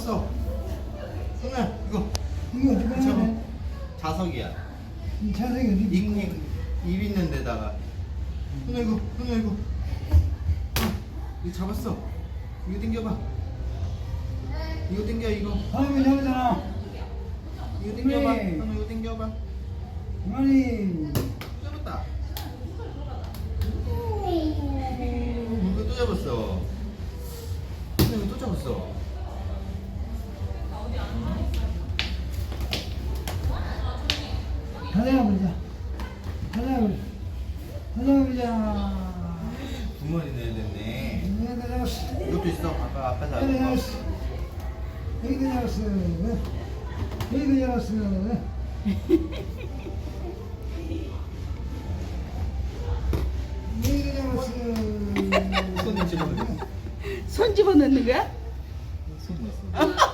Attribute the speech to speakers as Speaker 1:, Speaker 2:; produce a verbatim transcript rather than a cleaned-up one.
Speaker 1: 잡았어. 손아 이거
Speaker 2: 이거 어디 가냐?
Speaker 1: 잡아. 자석이야.
Speaker 2: 이 자석이 어디
Speaker 1: 입,
Speaker 2: 있는
Speaker 1: 입, 입 있는 데다가. 손아 이거 손아 이거. 어, 이거 잡았어. 이거 당겨봐. 이거 당겨 이거.
Speaker 2: 방금 잡았잖아.
Speaker 1: 이거 당겨봐.
Speaker 2: 그래.
Speaker 1: 손아 이거 당겨봐.
Speaker 2: 아니,
Speaker 1: 잡았다. 오, 이거 또 잡았어. 손아 이거 또 잡았어.
Speaker 2: 가져가버리자. 가져가버리자. 가져가버리자.
Speaker 1: 두 마리 내야 됐네.
Speaker 2: 내가 잡았어.
Speaker 1: 이것도 있어. 아까 아까
Speaker 2: 내가
Speaker 1: 잡은 거.
Speaker 2: 잡았어. 여기도 잡았어. 여기도 잡았어. 여기도 잡았어.
Speaker 1: 손에 집어넣어.
Speaker 3: 손 집어넣는 거야?
Speaker 1: 손 넣었어.